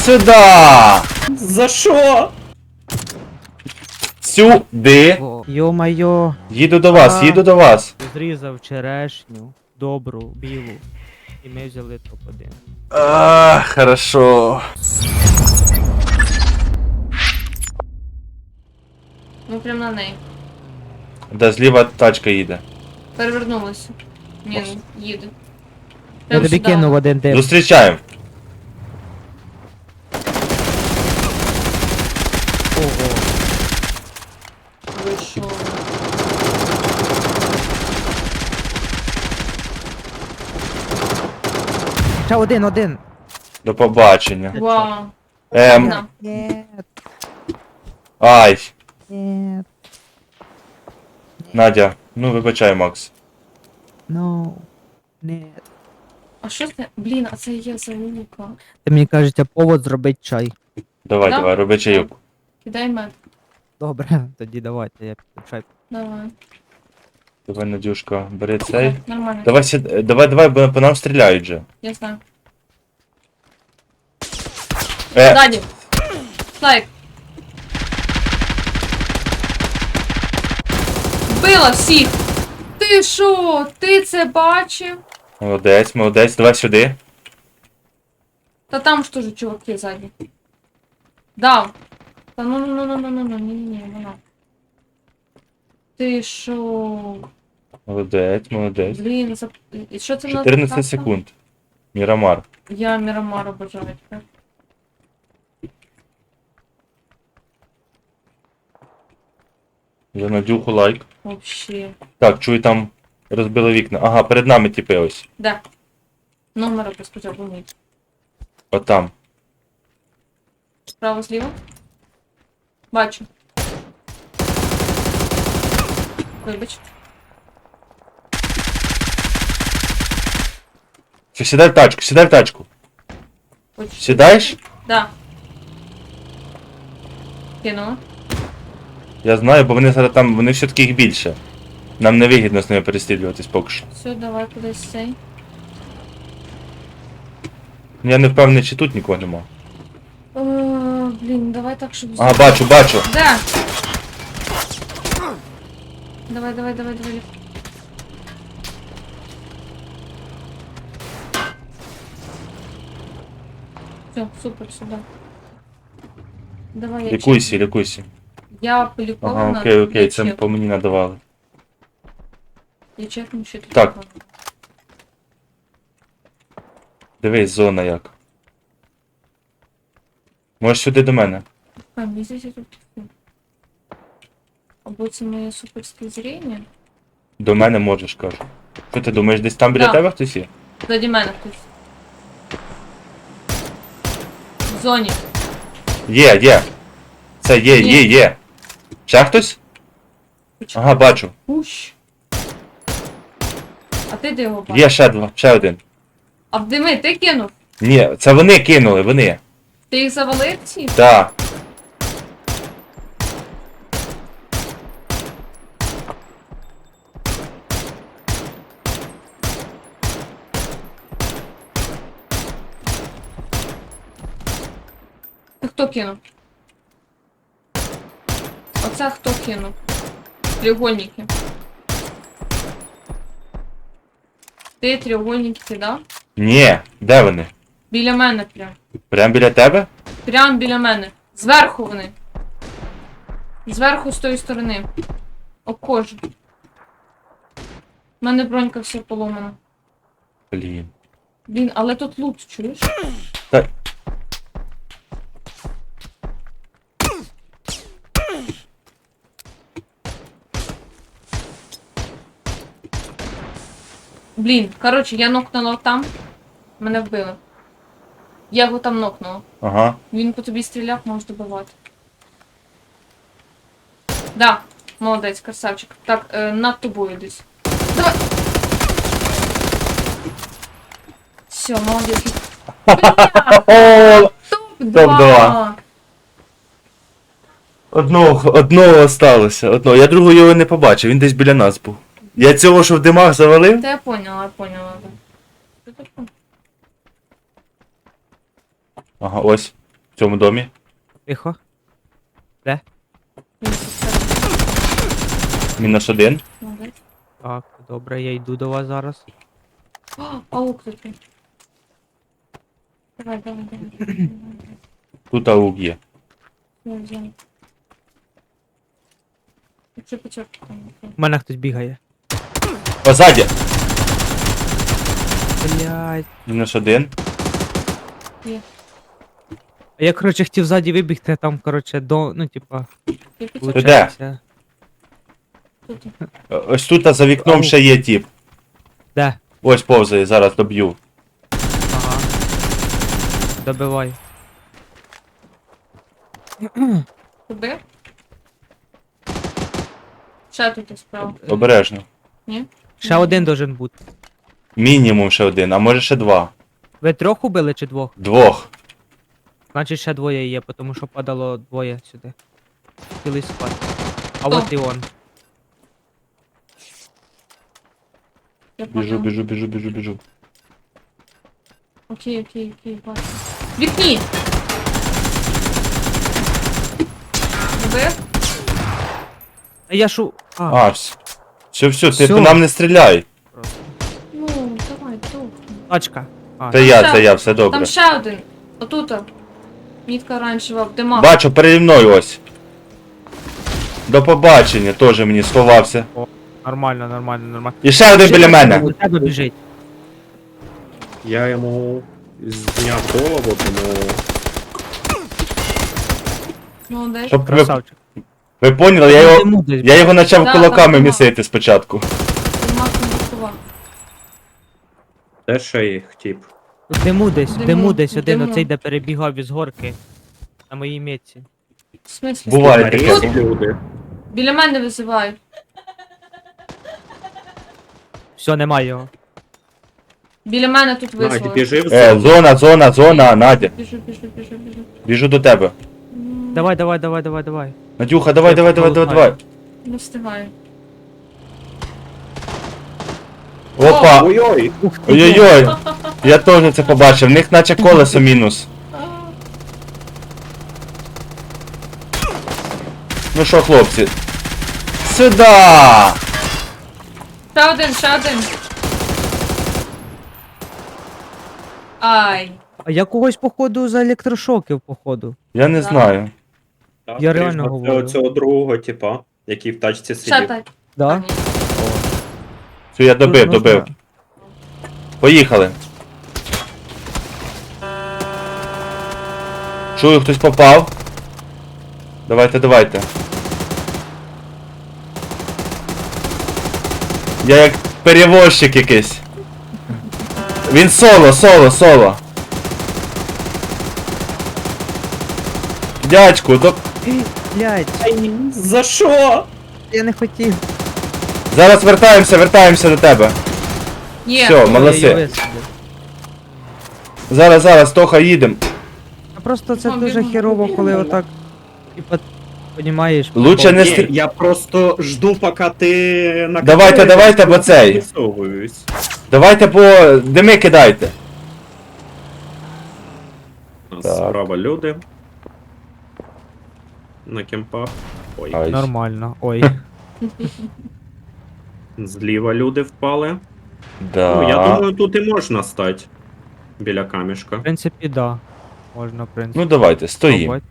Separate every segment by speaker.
Speaker 1: сюда!
Speaker 2: За що?
Speaker 1: Сюди!
Speaker 2: Йо-майо.
Speaker 1: Їду до вас, їду до вас.
Speaker 2: Зрізав черешню, добру, білу. І ми взяли топ-1.
Speaker 1: Хорошо.
Speaker 3: Ну прям на неї.
Speaker 1: Да, зліва тачка їде.
Speaker 3: Перевернулася. Ні, ну, їде.
Speaker 2: Я тобі
Speaker 3: сюди.
Speaker 2: кинув один тип.
Speaker 1: Зустрічаємо.
Speaker 2: Ого.
Speaker 3: Ви що?
Speaker 2: Ще один.
Speaker 1: До побачення.
Speaker 3: Вау. На.
Speaker 2: Нет,
Speaker 1: Ай.
Speaker 2: нет,
Speaker 1: Надя, ну вибачай, Макс.
Speaker 2: no, нет.
Speaker 3: А що це? Блін, а це є залука.
Speaker 2: Ти мені кажеться, повод зробить чай.
Speaker 1: Давай,
Speaker 3: Да?
Speaker 1: давай, роби чайок.
Speaker 3: Кидай мед.
Speaker 2: Добре, тоді давайте, я піду чай.
Speaker 3: Давай.
Speaker 1: Давай, Надюшка, бери цей.
Speaker 3: Нормально.
Speaker 1: Давай, давай, бо по нам стріляють же.
Speaker 3: Я знаю.
Speaker 1: Е,
Speaker 3: Ззаді. Слайк. Вбила всіх. Ти що? Ти це бачив?
Speaker 1: молодець, молодець, давай сюди.
Speaker 3: Та там ж теж чуваки ззаді. Дав. Та ні, вона. Ти що?
Speaker 1: Молодець, молодець.
Speaker 3: Блін, і що це в нас
Speaker 1: 14
Speaker 3: така?
Speaker 1: секунд. Мірамар.
Speaker 3: Я Мірамар обожаю тепер.
Speaker 1: За Надюху лайк.
Speaker 3: Вообще.
Speaker 1: Так, чую, там розбили вікна. Ага, перед нами тіпи ось.
Speaker 3: Да. Номер спочатку мій.
Speaker 1: Отам.
Speaker 3: Справа, зліва. Бачу. Вибач.
Speaker 1: Все, сідай в тачку, сідай в тачку.
Speaker 3: Хочу.
Speaker 1: Сідаєш?
Speaker 3: Да. Кинула.
Speaker 1: Я знаю, бо вони зараз там, вони все-таки їх більше. Нам не вигідно з ними перестрілюватись поки що.
Speaker 3: Все, давай кудись цей.
Speaker 1: Ну, я не впевнений, чи тут нікого нема.
Speaker 3: О, блін, давай так, щоб...
Speaker 1: Ага, бачу, бачу.
Speaker 3: Да. Давай. Все, супер, сюда. Давай я
Speaker 1: Лікуйся,
Speaker 3: чекну.
Speaker 1: лікуйся.
Speaker 3: Я полікована.
Speaker 1: Ага, окей,
Speaker 3: я
Speaker 1: це
Speaker 3: чекну.
Speaker 1: по мені надавали.
Speaker 3: Я чекну, що тут.
Speaker 1: Так.
Speaker 3: такого.
Speaker 1: Дивись, зона як. Можеш сюди до мене.
Speaker 3: А, мені здається, тут. Або це моє суперське зріння.
Speaker 1: До мене можеш, кажу. Що ти думаєш, десь там біля
Speaker 3: Да.
Speaker 1: тебе хтось є?
Speaker 3: Ззаді мене хтось. В зоні.
Speaker 1: Є. Це є,
Speaker 3: Ні.
Speaker 1: є. Ще хтось? Ага, бачу.
Speaker 3: Пущ. А ти де його бачиш?
Speaker 1: Є ще два, ще один.
Speaker 3: А в дими ти кинув?
Speaker 1: Ні, це вони кинули, вони.
Speaker 3: Ти їх завалив ці?
Speaker 1: Так.
Speaker 3: Ти хто кинув? Оце хто кинув? Треугольники. Ти треугольники кидав?
Speaker 1: Ні, де вони?
Speaker 3: Біля мене прям.
Speaker 1: Прям біля тебе?
Speaker 3: Прям біля мене. Зверху вони. Зверху з тої сторони. Обходжу. У мене бронька вся поломана.
Speaker 1: Блін.
Speaker 3: Блін, але тут лут, чуєш?
Speaker 1: Та...
Speaker 3: Блін, коротше, я нокнула там. Мене вбили. Я його там нокнула.
Speaker 1: Ага.
Speaker 3: Він по тобі стріляв, можеш добивати. Да, молодець, красавчик. Так, над тобою десь. Давай! Все, молодець.
Speaker 1: О,
Speaker 3: Топ-2!
Speaker 1: Одного осталося. Одного. Я другого його не побачив, він десь біля нас був. Я цього, що в димах завалив?
Speaker 3: Та я поняла, да.
Speaker 1: Ага, ось. В цьому домі.
Speaker 2: Тихо.
Speaker 3: Він
Speaker 1: Мінус один.
Speaker 3: Молодець.
Speaker 2: Так, добре, я йду до вас зараз.
Speaker 3: О, аук тут. Давай.
Speaker 1: Тут аук є.
Speaker 3: Я взяла. Якщо початку.
Speaker 2: У мене хтось бігає.
Speaker 1: О, ззаді!
Speaker 2: Блядь.
Speaker 1: Мінус один.
Speaker 2: А я, коротше, хотів ззаді вибігти, а там, коротше, ну, типа,
Speaker 3: Я початку.
Speaker 1: Де?
Speaker 2: получається.
Speaker 3: Тут.
Speaker 1: Ось тут за вікном ще є тіп.
Speaker 2: Де?
Speaker 1: Ось повзає, зараз доб'ю.
Speaker 2: Ага. Добивай.
Speaker 3: Куди? Ще тут справа.
Speaker 1: Обережно.
Speaker 3: Ні?
Speaker 2: Ще один должен бути.
Speaker 1: Мінімум ще один, а може ще два.
Speaker 2: Ви трьох убили чи двох?
Speaker 1: Двох.
Speaker 2: Значить ще двоє є, тому що падало двоє сюди. Цілий склад. А
Speaker 3: Хто?
Speaker 2: от і он.
Speaker 3: Я
Speaker 1: Біжу,
Speaker 3: поняла.
Speaker 1: біжу.
Speaker 3: Окей, бачу. В вікні! Вбив?
Speaker 2: А я шу. А,
Speaker 1: А, все, ти
Speaker 2: Всьо.
Speaker 1: по нам не стріляй.
Speaker 2: просто.
Speaker 3: Ну, давай, тут.
Speaker 2: Тачка. А,
Speaker 1: Це я, все добре.
Speaker 3: Там ще один. Отут. Мітка оранжева, в димах.
Speaker 1: Бачу, переді мною ось. До побачення, теж мені сховався.
Speaker 2: нормально.
Speaker 1: І ще один біля мене.
Speaker 2: До тебе біжить.
Speaker 4: Я йому зняв голову, тому
Speaker 3: Молодець.
Speaker 1: Щоб
Speaker 2: Красавчик.
Speaker 1: ви поняли, я його почав
Speaker 3: Да,
Speaker 1: кулаками
Speaker 3: там
Speaker 1: місити спочатку.
Speaker 3: Димах не блокував.
Speaker 4: де ще їх тип?
Speaker 2: В диму десь, в диму десь
Speaker 3: в
Speaker 2: один,
Speaker 3: диму.
Speaker 2: оцей, де перебігав із горки. На моїй метці.
Speaker 3: В смислі?
Speaker 1: Буває
Speaker 4: На
Speaker 1: таке.
Speaker 4: рейсі люди.
Speaker 3: Біля мене визивають.
Speaker 2: Все, немає його.
Speaker 3: Біля мене тут
Speaker 4: Надь,
Speaker 3: визвали.
Speaker 4: біжи в зону.
Speaker 1: Зона, Надя.
Speaker 3: Біжу.
Speaker 1: Біжу до тебе.
Speaker 2: Давай.
Speaker 1: Надюха, давай.
Speaker 3: Не встигаю.
Speaker 1: Опа!
Speaker 4: Ой-ой!
Speaker 1: Ой-ой-ой! Я теж це побачив, в них наче колесо мінус. Ну що, хлопці? Сюда!
Speaker 3: Ще один. Ай.
Speaker 2: А я когось, походу, за електрошоків, походу.
Speaker 1: Я не
Speaker 3: Да.
Speaker 1: знаю.
Speaker 4: Так,
Speaker 2: Я
Speaker 4: скоріш
Speaker 2: реально
Speaker 4: за
Speaker 2: говорю.
Speaker 4: Оцього другого типа, який в тачці
Speaker 3: Ще
Speaker 4: сидів.
Speaker 3: так.
Speaker 2: Да?
Speaker 3: Ні.
Speaker 1: Все, я добив.
Speaker 2: Можна-
Speaker 1: Поїхали. Чую, хтось попав. Давайте. Я як перевозчик якийсь. Він соло. Дядьку,
Speaker 2: Блядь,
Speaker 4: За що?
Speaker 2: я не хотів.
Speaker 1: зараз вертаємося до тебе.
Speaker 3: Є.
Speaker 1: Все, молодці.
Speaker 2: Я її висадив.
Speaker 1: Зараз, Тоха, їдем.
Speaker 2: А просто це
Speaker 3: Ну,
Speaker 2: дуже
Speaker 3: бігом.
Speaker 2: херово, коли отак. Типа, понімаєш?
Speaker 1: Лучше не
Speaker 4: Ні,
Speaker 1: стрі...
Speaker 4: я просто жду, поки ти на
Speaker 1: Давайте, бо цей.
Speaker 4: Висовуюсь.
Speaker 1: Давайте по дими кидайте.
Speaker 4: У нас
Speaker 1: Так.
Speaker 4: справа люди. На кемпах. Ой,
Speaker 1: Ай.
Speaker 2: Нормально. Ой.
Speaker 4: зліва люди впали.
Speaker 1: Да.
Speaker 4: Ну, я думаю, тут і можна стати. Біля камішка.
Speaker 2: В принципі, да. Можна, в принципі.
Speaker 1: Ну давайте, стоїм.
Speaker 2: пробувати.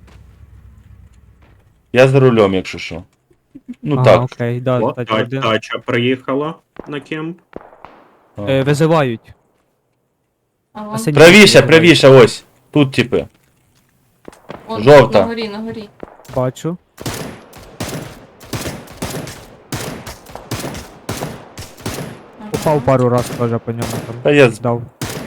Speaker 1: Я за рулем, якщо що. Ну
Speaker 2: Ага,
Speaker 1: так.
Speaker 2: окей, да,
Speaker 4: О,
Speaker 2: кстати, один.
Speaker 4: тача приїхала на кемп.
Speaker 2: Визивають.
Speaker 3: А
Speaker 2: На
Speaker 3: вон,
Speaker 2: синій
Speaker 1: Правіше, ось. Тут типи.
Speaker 3: вон,
Speaker 1: жовта.
Speaker 3: На горі.
Speaker 2: Бачу.
Speaker 3: Ага.
Speaker 2: Попав пару раз теж по ньому там.
Speaker 1: Та я
Speaker 2: Здав.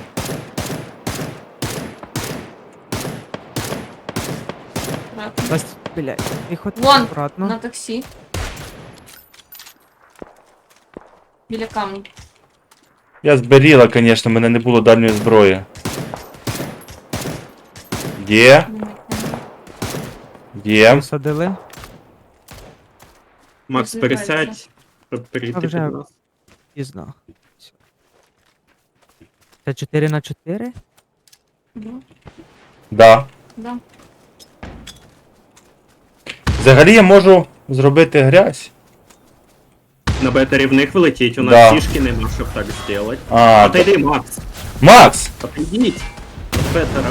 Speaker 3: Аккуратно.
Speaker 2: Нас, блядь, тихо,
Speaker 3: Вон,
Speaker 2: аккуратно.
Speaker 3: На таксі. Біля камня.
Speaker 1: Я зберіла, звісно, мене не було дальньої зброї. Є.
Speaker 2: Висадили.
Speaker 4: Макс,
Speaker 3: Розвивається.
Speaker 4: пересядь, щоб перейти
Speaker 2: А
Speaker 4: під
Speaker 2: вже.
Speaker 4: нас.
Speaker 2: Пізно. Всё. Це 4 на 4?
Speaker 3: Ну,
Speaker 1: Да.
Speaker 3: Да.
Speaker 1: Взагалі я можу зробити грязь.
Speaker 4: На бетері в них влетіть, у нас
Speaker 1: Да.
Speaker 4: фішки нема, щоб так зробити.
Speaker 1: А,
Speaker 4: Отойди, Макс.
Speaker 1: Макс!
Speaker 4: Отойдіть. От бетера.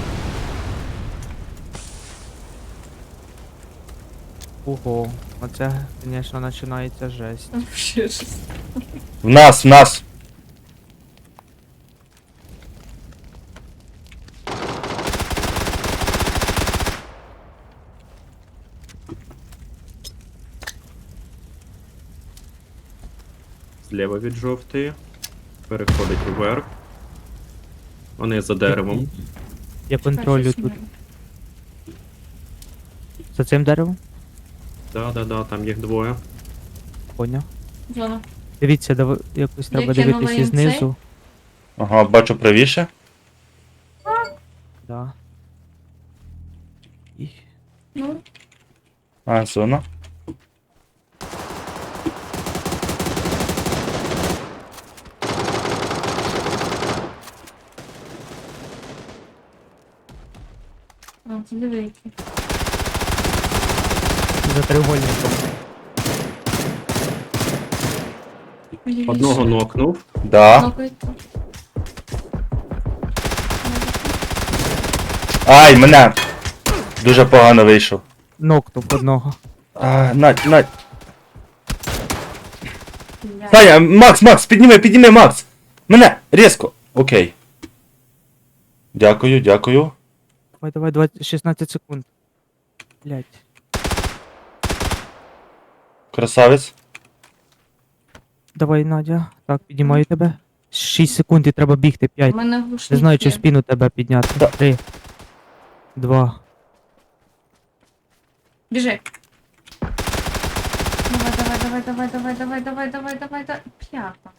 Speaker 2: Ого, оце, звісно, починається жесть.
Speaker 3: Там ще щось.
Speaker 1: В нас.
Speaker 4: Зліва від жовтої. Переходить вверх. Вони за деревом.
Speaker 2: Я контролю
Speaker 3: Щось
Speaker 2: тут.
Speaker 3: мене.
Speaker 2: За цим деревом?
Speaker 4: Да, там їх двоє.
Speaker 2: Поняв.
Speaker 3: Зона.
Speaker 2: Дивіться, якось треба
Speaker 3: кинула
Speaker 2: дивитися
Speaker 3: їм
Speaker 2: знизу.
Speaker 1: Ага, бачу правіше.
Speaker 2: Да. І...
Speaker 3: Ну,
Speaker 1: А, зона.
Speaker 3: а, це диви які.
Speaker 2: За треугольником.
Speaker 3: Лівіше.
Speaker 4: Одного нокнув.
Speaker 1: Да.
Speaker 3: Нокається.
Speaker 1: Ай, мене! Дуже погано вийшов.
Speaker 2: Нокнув одного.
Speaker 1: А, Надь.
Speaker 3: Блядь.
Speaker 1: Таня, Макс, підніми, Макс! Мене! Різко! Окей. Дякую.
Speaker 2: Давай, 16 секунд. Блять.
Speaker 1: Красавець.
Speaker 2: Давай, Надя. Так, піднімаю тебе. 6 секунд і треба бігти, 5.
Speaker 3: У мене глушник
Speaker 2: Не знаю, чи
Speaker 3: є.
Speaker 2: спину тебе підняти.
Speaker 1: Да.
Speaker 2: 3. 2.
Speaker 3: Біжи. Давай. П'ята.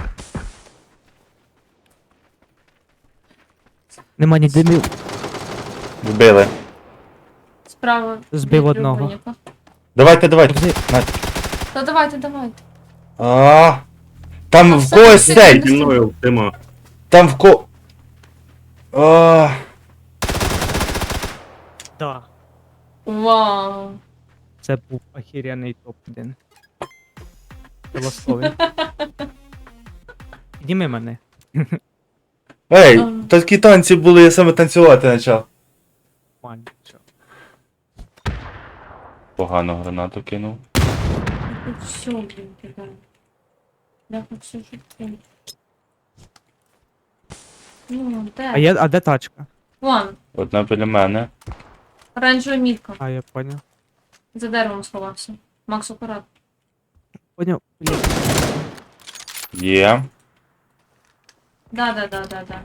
Speaker 2: Нема ні димів.
Speaker 1: Вбили.
Speaker 3: Справа.
Speaker 2: Збив
Speaker 3: від
Speaker 2: одного.
Speaker 3: треугольника.
Speaker 1: Давайте. Надь.
Speaker 3: Та давайте.
Speaker 1: А, там
Speaker 3: А
Speaker 1: в
Speaker 3: все,
Speaker 1: когось
Speaker 3: все,
Speaker 1: цей!
Speaker 3: все.
Speaker 4: Зі мною дима.
Speaker 1: Там в ко... А,
Speaker 2: Да.
Speaker 3: Вау.
Speaker 2: Це був охеренний топ-1. Це ласковий. Підніми мене.
Speaker 1: Ей,
Speaker 3: Ага.
Speaker 1: такі танці були, я саме танцювати почав.
Speaker 2: Нормально, чо.
Speaker 1: Погано гранату кинув.
Speaker 3: Тут все, блін, кидаю. Я тут все життя. Ну, де?
Speaker 2: А де тачка?
Speaker 3: Вон,
Speaker 1: Одна біля мене.
Speaker 3: оранжева мітка.
Speaker 2: А, я поняв.
Speaker 3: За деревом сховався. Макс, акурат.
Speaker 2: Поняв. Блін.
Speaker 1: Є.
Speaker 3: Да.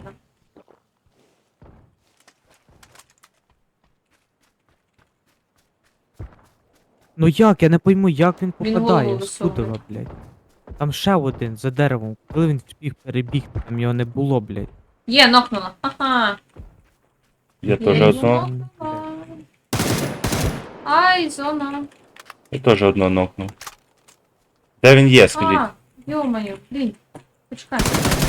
Speaker 2: Ну як? Я не пойму, як він
Speaker 3: Він
Speaker 2: попадає
Speaker 3: голову
Speaker 2: з Тудова,
Speaker 3: висовує.
Speaker 2: блядь. Там ще один за деревом. Коли він встиг перебігти, там його не було, блядь.
Speaker 3: Є, нокнула. Ага.
Speaker 1: Я теж
Speaker 3: його
Speaker 1: одного.
Speaker 3: нокнула. Ай, зона.
Speaker 1: Я теж одного нокнув. Де він є, скажіть?
Speaker 3: А, ё-моё, блін. Почекай.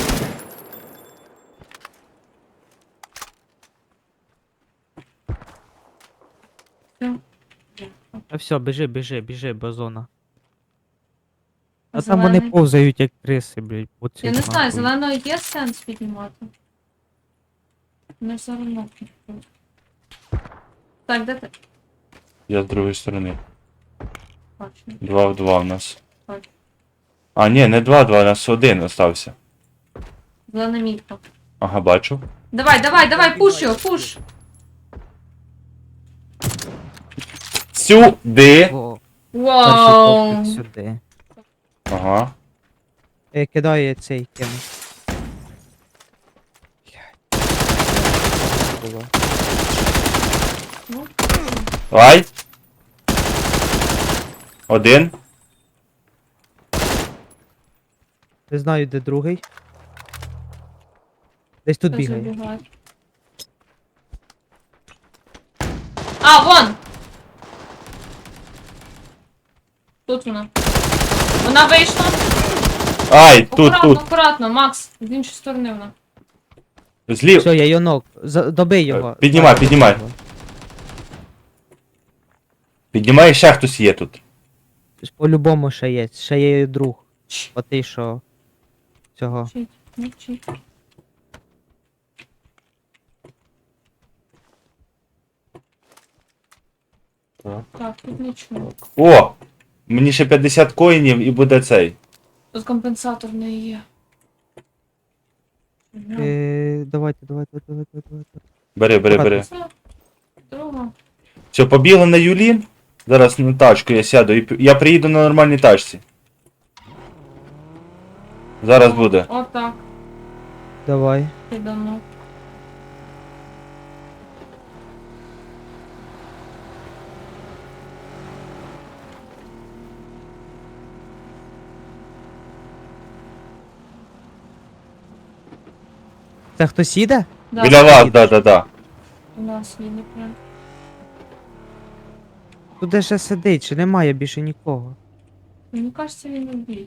Speaker 3: Все.
Speaker 2: А все, біжи, базона. А там
Speaker 3: Зелений.
Speaker 2: вони повзають як криси, блядь. по цих
Speaker 3: Я не знаю,
Speaker 2: нахуй.
Speaker 3: зеленого є сенс піднімати. Не все одно. Так, де ти?
Speaker 1: Я з другої сторони.
Speaker 3: Бачу.
Speaker 1: 2 в 2 в нас.
Speaker 3: Бачу.
Speaker 1: А, ні, не 2 в 2, у нас один остався.
Speaker 3: Зелена мітка.
Speaker 1: Ага, бачу.
Speaker 3: Давай, пуш його, пуш!
Speaker 1: Сюди!
Speaker 2: О, перший
Speaker 3: Вау!
Speaker 2: топик сюди.
Speaker 1: Ага.
Speaker 2: Кидає цей кем. Було.
Speaker 3: Ну,
Speaker 1: Ай! Один.
Speaker 2: Не знаю, де другий. Десь тут
Speaker 3: хто
Speaker 2: бігає.
Speaker 3: забігає? А, вон! Тут вона. Вона вийшла.
Speaker 1: Ай, тут.
Speaker 3: Акуратно, Макс, з іншої сторони вона.
Speaker 1: Злів.
Speaker 2: Все, я його ног. Добий його.
Speaker 1: Піднімай,
Speaker 2: Так,
Speaker 1: піднімай.
Speaker 2: його.
Speaker 1: Піднімає, ще хтось є тут.
Speaker 2: Тобто по-любому ще є. Ще є і друг. Отий, що цього.
Speaker 3: Мовчить, мовчить. Так, тут нічого.
Speaker 1: О! Мені ще 50 коїнів і буде цей.
Speaker 3: Тут компенсатор не є.
Speaker 2: Давайте.
Speaker 1: Бери.
Speaker 3: Це друга.
Speaker 1: Все, побігли на Юлін. Зараз на тачку я сяду і я приїду на нормальній тачці. Зараз буде.
Speaker 3: Отак.
Speaker 2: Давай.
Speaker 3: Ти давно.
Speaker 2: Це хтось їде?
Speaker 3: Да,
Speaker 1: Біля вас,
Speaker 2: їдеш.
Speaker 1: да.
Speaker 3: у нас їде прям.
Speaker 2: Тут де ще сидить, чи немає більше нікого.
Speaker 3: Мені кажеться, він убіг.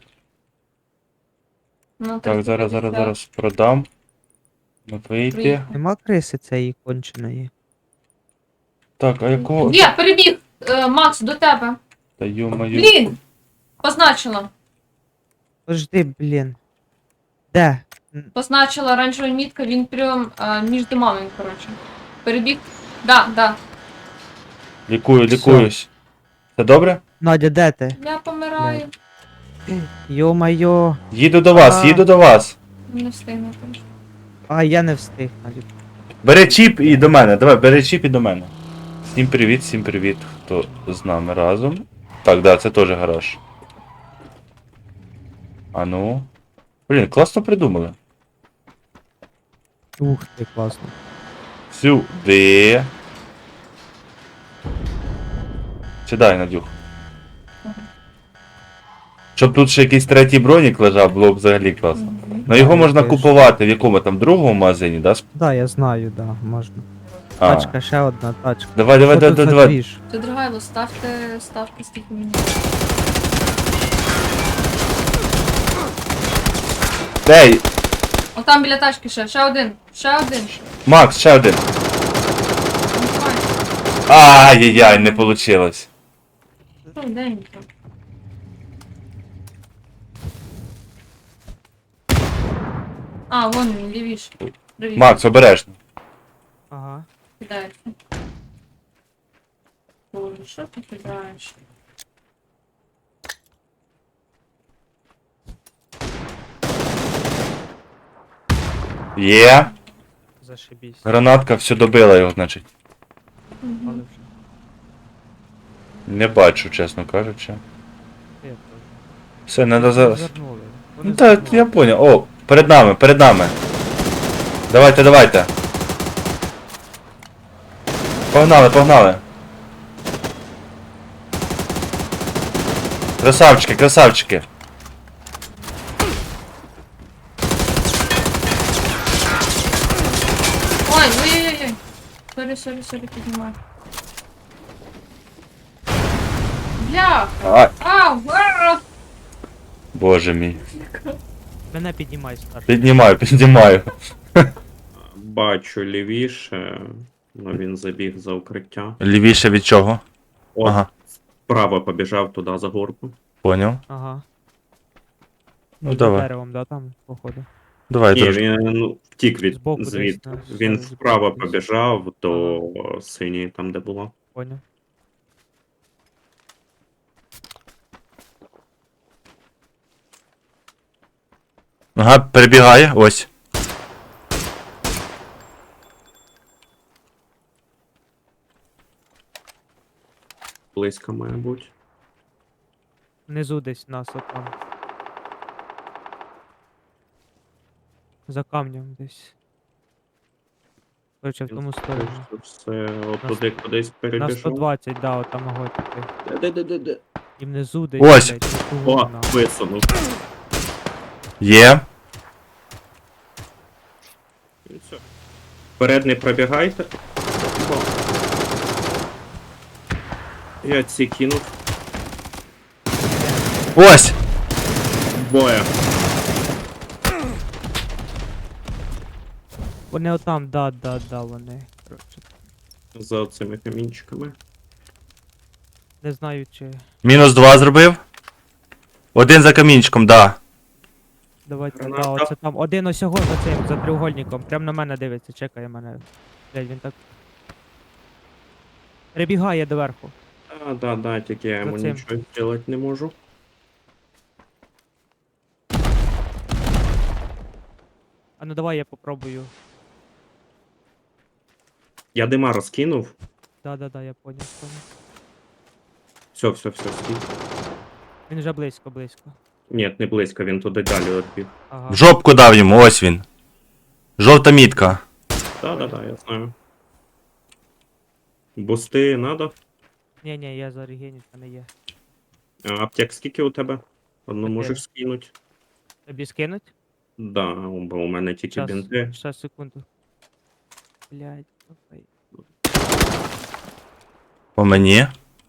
Speaker 3: Ну,
Speaker 1: Так, зараз продам. Ну, вийти.
Speaker 3: Приїхав.
Speaker 2: Нема криси цієї конченої.
Speaker 1: Так, а якого?
Speaker 3: Є, перебіг! Макс, до тебе.
Speaker 1: Та ё-моё.
Speaker 3: Блін! Позначила.
Speaker 2: Подожди, блін. Де?
Speaker 3: Позначила оранжева мітка, він прям між домами, коротше. Перебіг. Да.
Speaker 1: Лікуюсь. Це добре?
Speaker 2: Надя, де ти?
Speaker 3: Я помираю.
Speaker 2: Йо-майо.
Speaker 1: Їду до вас.
Speaker 3: Не встигну.
Speaker 2: А, я не встиг, Надя.
Speaker 1: Бери чіп і до мене. Давай, бери чіп і до мене. Всім привіт, хто з нами разом. Так, да, це теж гараж. А ну. Блін, класно придумали.
Speaker 2: Ух ти, класно.
Speaker 1: Сюди. Сідай, Надюх. Щоб тут ще якийсь третій бронік лежав, було б взагалі класно. Ну його можна
Speaker 2: Конечно.
Speaker 1: купувати в якому там другому магазині, да?
Speaker 2: Да, я знаю, да, можна.
Speaker 1: А.
Speaker 2: Тачка, ще одна тачка.
Speaker 1: Давай.
Speaker 2: Що тут за двіж?
Speaker 3: Це Драгайло, ставте скільки мені.
Speaker 1: Ей,
Speaker 3: Отам біля тачки ще один.
Speaker 1: Макс, ще один.
Speaker 3: Давай.
Speaker 1: Ай-яй-яй, не получилось.
Speaker 3: Денька. А, вон він, лівіше. Привіт.
Speaker 1: Макс, обережно.
Speaker 2: Ага.
Speaker 3: Кидається. Боже, що ти кидаєш?
Speaker 1: Є.
Speaker 2: Зашибісь.
Speaker 1: Гранатка все добила його, значить.
Speaker 2: Але вже.
Speaker 1: Не бачу, чесно кажучи.
Speaker 2: Я теж.
Speaker 1: Все, треба зараз.
Speaker 2: Розвернули.
Speaker 1: Ну
Speaker 2: Вони
Speaker 1: так,
Speaker 2: звернули.
Speaker 1: я понял. О, перед нами. Давайте. Погнали. Красавчики.
Speaker 3: Ой. Сорі, піднімай. Бляха!
Speaker 1: Ай,
Speaker 3: Ау!
Speaker 1: боже мій.
Speaker 2: Мене піднімай, старший.
Speaker 1: Піднімаю.
Speaker 4: Бачу лівіше, але він забіг за укриття.
Speaker 1: Лівіше від чого?
Speaker 4: От,
Speaker 1: Ага,
Speaker 4: вправо побіжав туди за горку.
Speaker 1: поняв.
Speaker 2: Ага.
Speaker 1: Ну
Speaker 2: Під
Speaker 1: давай.
Speaker 2: деревом, да, там, походу.
Speaker 1: Давай
Speaker 4: Ні,
Speaker 1: трошки.
Speaker 4: він втік
Speaker 2: Збоку
Speaker 4: звід.
Speaker 2: десь,
Speaker 4: Він
Speaker 2: збоку
Speaker 4: вправо
Speaker 2: десь.
Speaker 4: побіжав до синьої, там де було.
Speaker 2: Поняв.
Speaker 1: Ага, перебігає, ось.
Speaker 4: Близько, має бути.
Speaker 2: Внизу десь нас отам. За камнем десь. Короче, в тому сторону.
Speaker 4: Все, отуди кудись
Speaker 2: На
Speaker 4: перебіжав.
Speaker 2: 120, да, отам ого піти.
Speaker 4: Де?
Speaker 2: І внизу десь.
Speaker 1: Ось.
Speaker 2: блядь, оту
Speaker 4: О,
Speaker 2: вона.
Speaker 4: висунув.
Speaker 1: Є.
Speaker 4: І все. Вперед не пробігайте. О. Я ці кинув.
Speaker 1: Ось!
Speaker 4: Боя.
Speaker 2: Вони отам, да, вони. Короче.
Speaker 4: За цими камінчиками.
Speaker 2: Не знаю, чи.
Speaker 1: Мінус 2 зробив. Один за камінчиком, да.
Speaker 2: Давайте,
Speaker 4: Граната.
Speaker 2: да, оце там. Один осього за цим, за треугольником. Прям на мене дивиться, чекає мене. Блядь, він так. Перебігає доверху.
Speaker 4: Да, тільки я йому
Speaker 2: За цим.
Speaker 4: нічого зробити не можу.
Speaker 2: А ну давай я попробую.
Speaker 4: Я дима розкинув.
Speaker 2: Да, я поняв.
Speaker 4: Все, скинь.
Speaker 2: Він вже близько.
Speaker 4: Ні, не близько, він туди далі відбіг.
Speaker 2: Ага.
Speaker 1: В жопку дав йому, ось він. Жовта мітка.
Speaker 4: Да, я знаю. Бусти надо?
Speaker 2: Ні, я за регенів, в мене є.
Speaker 4: А аптек скільки у тебе? Одну
Speaker 2: Чотири.
Speaker 4: можеш скинути?
Speaker 2: Тобі скинуть?
Speaker 4: Да, бо у мене тільки бінти.
Speaker 2: Щас, секунду. Блядь, окей.
Speaker 1: По мені.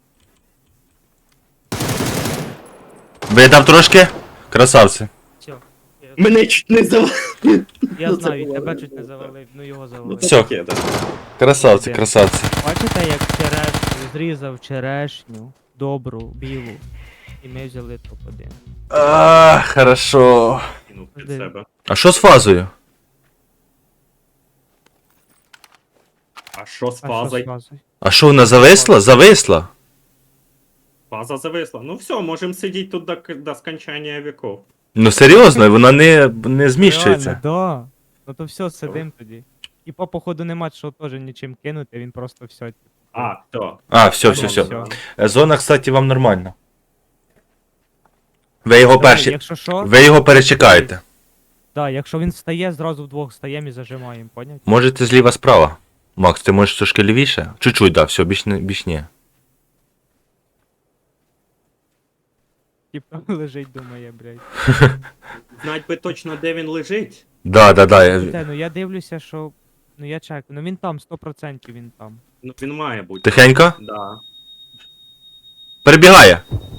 Speaker 1: Видав трошки? Красавці.
Speaker 2: Все.
Speaker 4: Мене чуть не завалив.
Speaker 2: Я
Speaker 4: Ну,
Speaker 2: знаю,
Speaker 4: це
Speaker 2: тебе
Speaker 4: було.
Speaker 2: чуть не завалив, ну його
Speaker 4: Ну
Speaker 2: завалив.
Speaker 4: це
Speaker 1: Всьо.
Speaker 4: таке, да.
Speaker 1: Красавці,
Speaker 2: Де?
Speaker 1: красавці.
Speaker 2: Бачите, як черешню, зрізав черешню, добру, білу. І ми взяли топ-1.
Speaker 1: А, хорошо.
Speaker 4: Кинув під
Speaker 2: Де?
Speaker 4: себе.
Speaker 1: А що з фазою?
Speaker 4: А що з
Speaker 2: А що з
Speaker 4: фазою?
Speaker 2: фазою?
Speaker 1: А що вона зависла? Зависла?
Speaker 4: Фаза зависла. Ну все, можемо сидіти тут до скончання віков.
Speaker 1: Ну серйозно, вона не зміщується.
Speaker 2: Реально, да. Ну то все, сидим тоді. І по походу нема що теж нічим кинути, він просто все.
Speaker 4: А, то.
Speaker 1: А, все.
Speaker 2: Всьо.
Speaker 1: Зона, кстати, вам нормальна. Ви його
Speaker 2: Давай,
Speaker 1: перші.
Speaker 2: якщо що,
Speaker 1: Ви його перечекаєте.
Speaker 2: да, якщо він встає, зразу вдвох встаємо і зажимаємо, поняв?
Speaker 1: Можете зліва справа. Макс, ти можеш трошки лівіше? Чуть-чуть, да, все, більш ні.
Speaker 2: Типа лежить, думає, блядь.
Speaker 4: Знать би точно, де він лежить.
Speaker 1: Да.
Speaker 2: Ну я дивлюся, що. Ну я чекаю, ну він там, 100% він там.
Speaker 4: Ну він має бути.
Speaker 1: Тихенько.
Speaker 4: Да.
Speaker 1: Перебігає.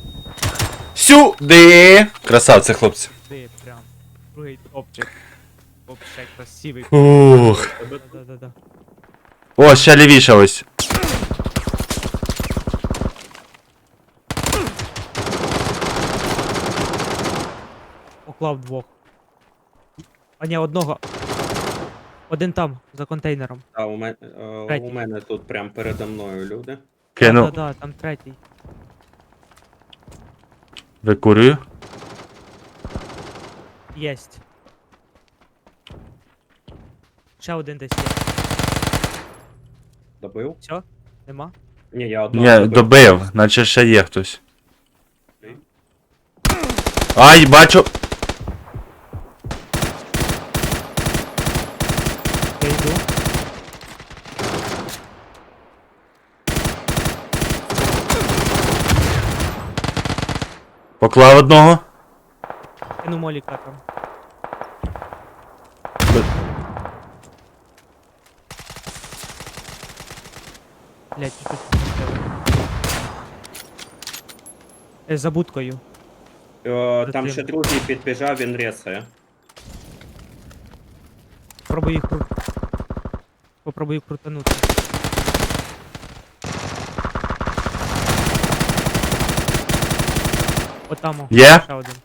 Speaker 1: Сюди! Красавці, хлопці.
Speaker 2: Ти прям. Другий топчик. Вообще красивий.
Speaker 1: Ух.
Speaker 2: Да.
Speaker 1: О, ще лівіше ось.
Speaker 2: Поклав двох. А ні, одного. Один там, за контейнером.
Speaker 4: А у
Speaker 2: Третій.
Speaker 4: мене тут прям передо мною люди.
Speaker 1: Кину.
Speaker 2: Да, там третій.
Speaker 1: Викурюю.
Speaker 2: Єсть. Ще один десь є.
Speaker 4: Добив?
Speaker 2: Все? Нема?
Speaker 4: Ні, я одного
Speaker 1: Ні, добив, наче ще є хтось. Ай, бачу.
Speaker 2: Я йду.
Speaker 1: Поклав одного.
Speaker 2: Кину моліка там. Блять, чуть-чуть. За будкою.
Speaker 4: Там
Speaker 2: Затим.
Speaker 4: ще другий підбіжав, він ресає.
Speaker 2: Попробуй їх Попробуй їх крутанути. Отамо.
Speaker 1: Є?
Speaker 2: Ще один.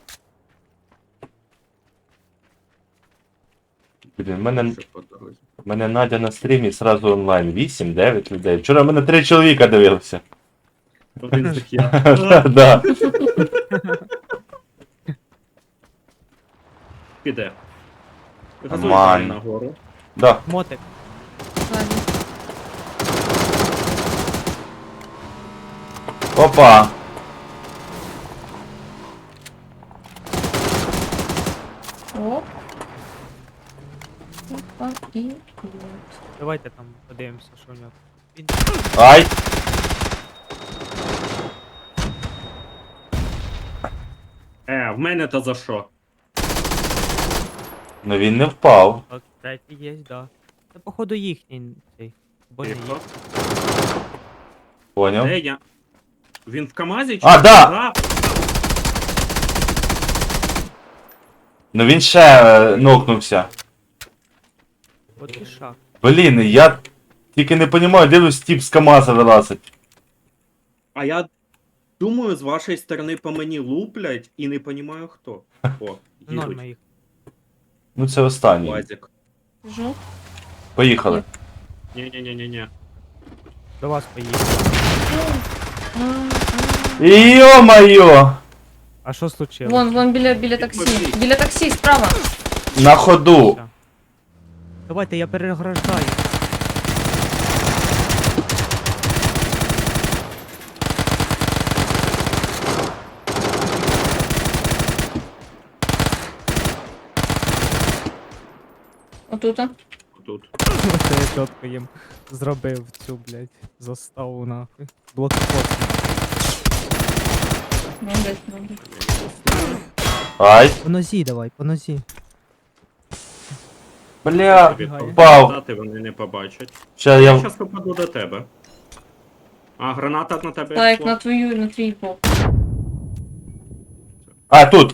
Speaker 1: Блін, мене Надя на стрімі сразу онлайн. 8-9 людей. Вчора мене 3 чоловіка дивилися.
Speaker 4: Один такий.
Speaker 1: Да.
Speaker 4: Піде. Газуй
Speaker 1: Нормально.
Speaker 4: далі нагору.
Speaker 1: Да.
Speaker 2: Мотик.
Speaker 3: Ладно.
Speaker 1: Опа.
Speaker 3: Оп. Опа, і.
Speaker 2: Давайте там подивимося, що в нього. Він
Speaker 1: Ай.
Speaker 4: В мене то за що?
Speaker 1: Ну він не впав.
Speaker 2: так, третій є, да. Це походу їхній цей. Бо не
Speaker 4: Тихо.
Speaker 2: їх.
Speaker 1: Поняв?
Speaker 4: Де я? Він в КамАЗі чи?
Speaker 1: А, да!
Speaker 4: Да.
Speaker 1: Ну він ще нокнувся.
Speaker 2: От і шах.
Speaker 1: Блін, я тільки не розумію, де ви тип з КамАЗа вилазить.
Speaker 4: А я Думаю, з вашої сторони по мені луплять і не понімаю хто. О,
Speaker 2: Норма
Speaker 4: їдуть.
Speaker 2: їх.
Speaker 1: Ну це останній.
Speaker 4: Лазик.
Speaker 3: Біжу.
Speaker 1: Поїхали.
Speaker 4: Ні-ні-ні-ні-ні.
Speaker 2: До вас поїхали.
Speaker 1: Йо-моє!
Speaker 2: А що случилось?
Speaker 3: Вон біля таксі. Біля таксі, справа.
Speaker 1: На ходу.
Speaker 2: Все. Давайте, я переграждаю.
Speaker 3: Отута.
Speaker 4: Тут.
Speaker 2: Це я чітко їм зробив цю, блядь, заставу нахуй. Блокпост.
Speaker 3: Молодець.
Speaker 1: Ай.
Speaker 2: По нозі давай, по нозі.
Speaker 1: Бля.
Speaker 4: Тобі
Speaker 1: Впав.
Speaker 4: попадати вони не побачать.
Speaker 1: Ще
Speaker 4: Я
Speaker 1: я.
Speaker 4: зараз попаду до тебе. А, граната на тебе.
Speaker 3: Так,
Speaker 4: йшла?
Speaker 3: на твій бок.
Speaker 1: А, тут.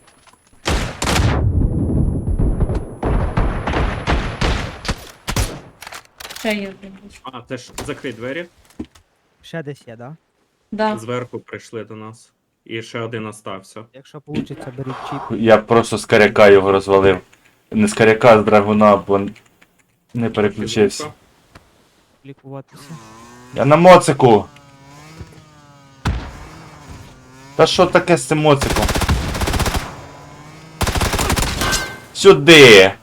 Speaker 3: Ще є.
Speaker 4: А, це ж закрий двері.
Speaker 2: Ще десь є, да?
Speaker 3: Да.
Speaker 4: Зверху прийшли до нас. І ще один остався.
Speaker 2: Якщо вийде, беріть чіп.
Speaker 1: Я просто з каряка його розвалив. Не з каряка, а з драгуна, бо не переключився.
Speaker 4: Фігурка.
Speaker 2: Лікуватися.
Speaker 1: Я на моцику. Та що таке з цим моциком? Сюди!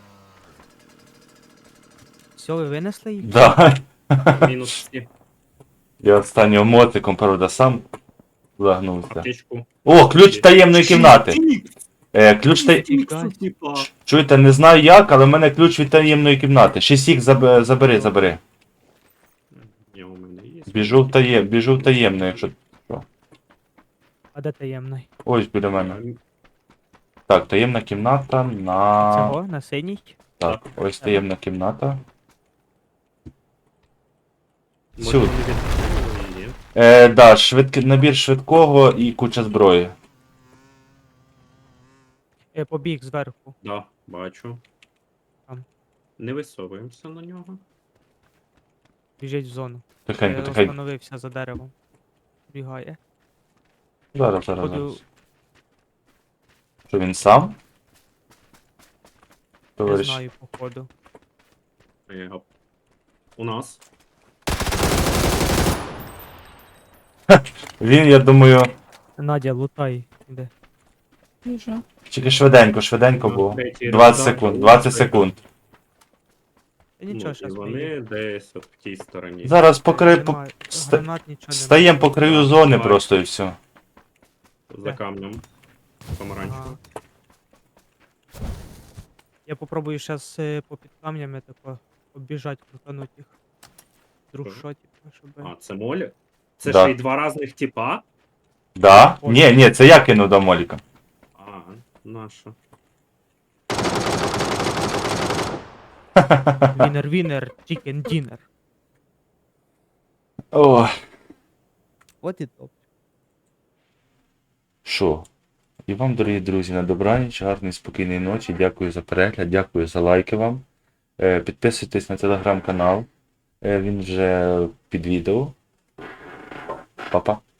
Speaker 2: Все, ви винесли їх?
Speaker 1: Да.
Speaker 4: Мінус всі.
Speaker 1: Я останнім моциком, правда, сам загнувся.
Speaker 4: Аптечку.
Speaker 1: О, ключ таємної кімнати. Ключ та...
Speaker 4: Типа.
Speaker 1: Чуєте, не знаю як, але в мене ключ від таємної кімнати. 6 забери.
Speaker 4: Ні, у мене є.
Speaker 1: Біжу в таємну, якщо...
Speaker 2: А де таємний?
Speaker 1: Ось біля мене. Так, таємна кімната на...
Speaker 2: Цього? На синій?
Speaker 1: Так, ось таємна кімната.
Speaker 4: Може,
Speaker 1: Сюди.
Speaker 4: вони відкрили? Ні.
Speaker 1: Да, набір швидкого і куча зброї.
Speaker 2: Побіг зверху.
Speaker 4: Да, бачу.
Speaker 2: Там.
Speaker 4: Не висовуємося на нього.
Speaker 2: Біжить в зону.
Speaker 1: Тихенько,
Speaker 2: Я
Speaker 1: тихенько.
Speaker 2: остановився за деревом. Бігає.
Speaker 1: Зараз.
Speaker 2: Походу,
Speaker 1: Що він сам?
Speaker 2: не
Speaker 1: Товариш.
Speaker 2: знаю, походу.
Speaker 4: У нас.
Speaker 1: Він, я думаю,
Speaker 2: Надя, лутай. Іде.
Speaker 3: Біжу.
Speaker 1: тільки швиденько було.
Speaker 4: Третій
Speaker 1: 20
Speaker 4: раунд.
Speaker 1: секунд, 20 секунд.
Speaker 2: Та нічого,
Speaker 4: Ну,
Speaker 2: щас
Speaker 4: і
Speaker 2: поїде.
Speaker 4: вони десь от в тій стороні.
Speaker 1: Зараз
Speaker 2: Нема
Speaker 1: ста-
Speaker 2: гранат, нічого немає.
Speaker 1: стаємо по краю зони просто і все.
Speaker 4: За камнем. Помаранчево.
Speaker 2: Ага. Я попробую зараз по під камнями тако обіжать, крутануть їх. Друг
Speaker 4: Ага.
Speaker 2: що, типу, щоб...
Speaker 4: А, це молі? Це
Speaker 1: Да.
Speaker 4: ще й два різних типа?
Speaker 1: Да? Ні, це я кинув до Моліка.
Speaker 4: А, наша.
Speaker 2: Вінер, чікен дінер.
Speaker 1: О,
Speaker 2: От і топ.
Speaker 1: що? І вам, дорогі друзі, на добраніч, гарної, спокійної ночі. Дякую за перегляд, дякую за лайки вам. Підписуйтесь на телеграм-канал. Він вже під відео. Па-па.